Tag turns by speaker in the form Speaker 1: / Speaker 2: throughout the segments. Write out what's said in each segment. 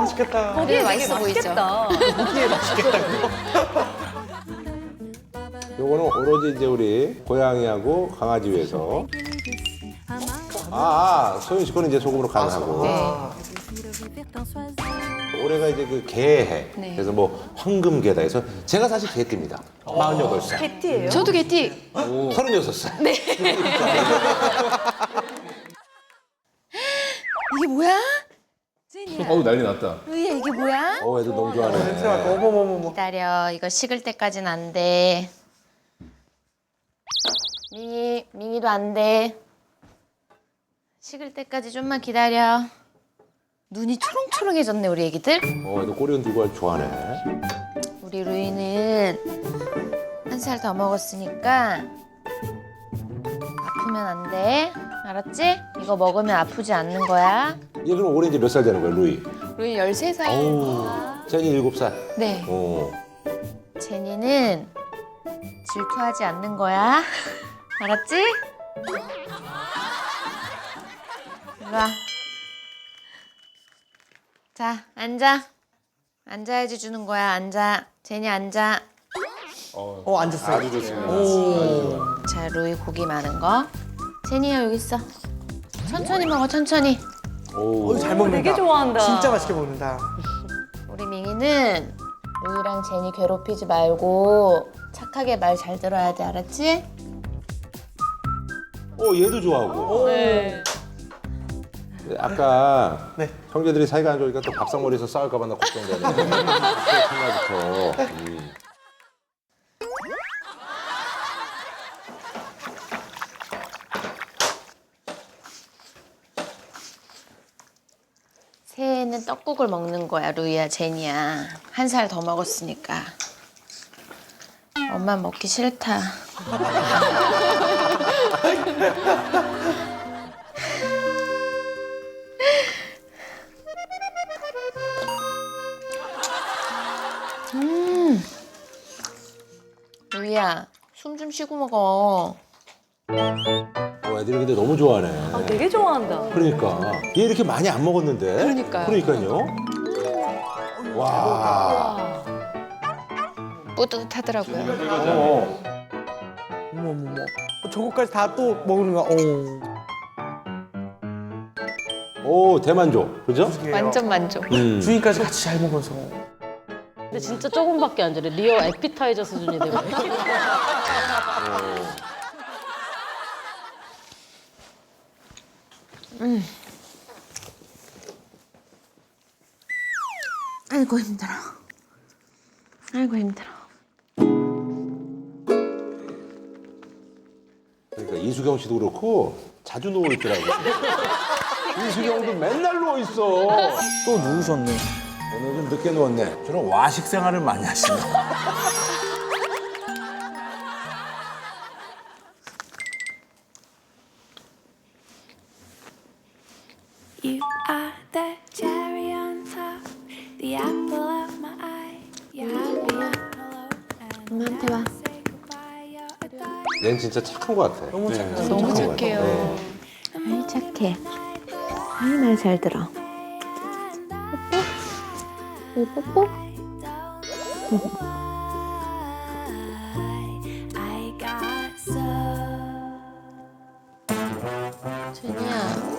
Speaker 1: 맛있겠다.
Speaker 2: 거기에
Speaker 3: 맛있어
Speaker 2: 되게
Speaker 3: 보이죠?
Speaker 2: 맛있겠다.
Speaker 1: 고기에 맛있겠다고.
Speaker 4: 요거는 오로지 이제 우리 고양이하고 강아지 위해서. 소윤 씨 거는 이제 소금으로 간을 하고. 올해가 이제 그 개해.
Speaker 3: 네.
Speaker 4: 그래서 뭐 황금개다 해서 제가 사실 개띠입니다. 48살.
Speaker 2: 개띠예요?
Speaker 3: 저도 개띠.
Speaker 4: 36살.
Speaker 3: 네. 이게 뭐야? 제니야.
Speaker 5: 어우 난리 났다.
Speaker 3: 루이야 이게 뭐야?
Speaker 4: 애들 너무
Speaker 1: 냄새 맡고
Speaker 4: 좋아하네.
Speaker 1: 어머머머머.
Speaker 3: 기다려. 이거 식을 때까지는 안 돼. 밍이도 안 돼. 식을 때까지 좀만 기다려. 눈이 초롱초롱해졌네 우리 애기들.
Speaker 4: 애들 꼬리 흔들고 할 좋아하네.
Speaker 3: 우리 루이는 1살 더 먹었으니까 아프면 안 돼. 알았지? 이거 먹으면 아프지 않는 거야.
Speaker 4: 얘 그럼 올해 이제 몇 살 되는 거야, 루이?
Speaker 3: 루이 13살.
Speaker 4: 어우, 제니 7살.
Speaker 3: 네.
Speaker 4: 어.
Speaker 3: 제니는 질투하지 않는 거야. 알았지? 이리 와. 자, 앉아. 앉아야지 주는 거야. 앉아. 제니 앉아.
Speaker 1: 앉았어요.
Speaker 4: 아주 좋습니다.
Speaker 1: 오.
Speaker 3: 자, 루이 고기 많은 거. 제니야 여기 있어. 천천히 먹어, 천천히.
Speaker 4: 오.
Speaker 1: 잘 먹는다.
Speaker 2: 되게 좋아한다.
Speaker 1: 진짜 맛있게 먹는다.
Speaker 3: 우리 밍이는 루이랑 제니 괴롭히지 말고 착하게 말 잘 들어야 돼. 알았지?
Speaker 4: 얘도 좋아하고.
Speaker 2: 네.
Speaker 4: 아까
Speaker 1: 네.
Speaker 4: 형제들이 사이가 안 좋으니까 또 밥상머리에서 싸울까 봐 나 걱정되네. 첫날부터.
Speaker 3: 새해에는 떡국을 먹는 거야, 루이야, 제니야. 1살 더 먹었으니까. 엄마 먹기 싫다. 루이야, 숨 좀 쉬고 먹어.
Speaker 4: 애들이 근데 너무 좋아하네.
Speaker 2: 되게 좋아한다.
Speaker 4: 그러니까. 얘 이렇게 많이 안 먹었는데.
Speaker 3: 그러니까요.
Speaker 4: 그러니까요. 와.
Speaker 3: 뿌듯하더라고요.
Speaker 1: 어머머머. 저거까지 다 또 먹는 거야.
Speaker 4: 오, 대만족. 그죠?
Speaker 3: 완전 만족.
Speaker 1: 주인까지 같이 잘 먹어서.
Speaker 2: 근데 진짜 조금밖에 안 되네. 리어 에피타이저 수준이 되고.
Speaker 3: 아이고 힘들어. 아이고 힘들어.
Speaker 4: 그러니까 이수경 씨도 그렇고 자주 누워 있더라고. 이수경도 맨날 누워 있어.
Speaker 1: 또 누우셨네.
Speaker 4: 오늘 좀 늦게 누웠네.
Speaker 6: 저는 와식 생활을 많이 하시네.
Speaker 7: You are the cherry on top, the apple of my eye. You have me on hello and
Speaker 3: 엄마한테 와.
Speaker 7: say goodbye. You're a darling.
Speaker 4: 얘는 진짜 착한 것 같아.
Speaker 1: 너무 착해요.
Speaker 3: 너무
Speaker 4: 착한 것
Speaker 3: 착해요.
Speaker 4: 같아.
Speaker 3: 아이 착해. 아이 말 잘 들어. 뽀뽀? 뽀뽀?
Speaker 7: I got so.
Speaker 3: 제니야.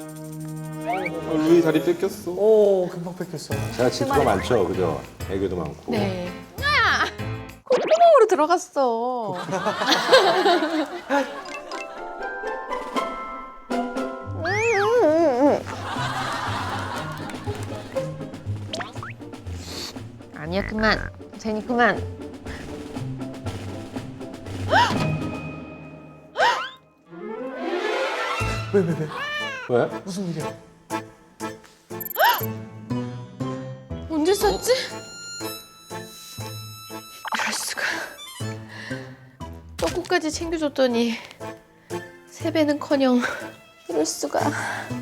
Speaker 5: 루이 다리 뺏겼어.
Speaker 1: 오, 금방 뺏겼어.
Speaker 4: 제가 질투가 많죠, 그죠? 애교도 많고.
Speaker 3: 네. 야! 콧구멍으로 들어갔어. 아니야 그만. 제니 그만.
Speaker 4: 왜?
Speaker 1: 무슨 일이야?
Speaker 3: 언제 썼지? 이럴 수가. 떡국까지 챙겨줬더니 세배는커녕 이럴 수가.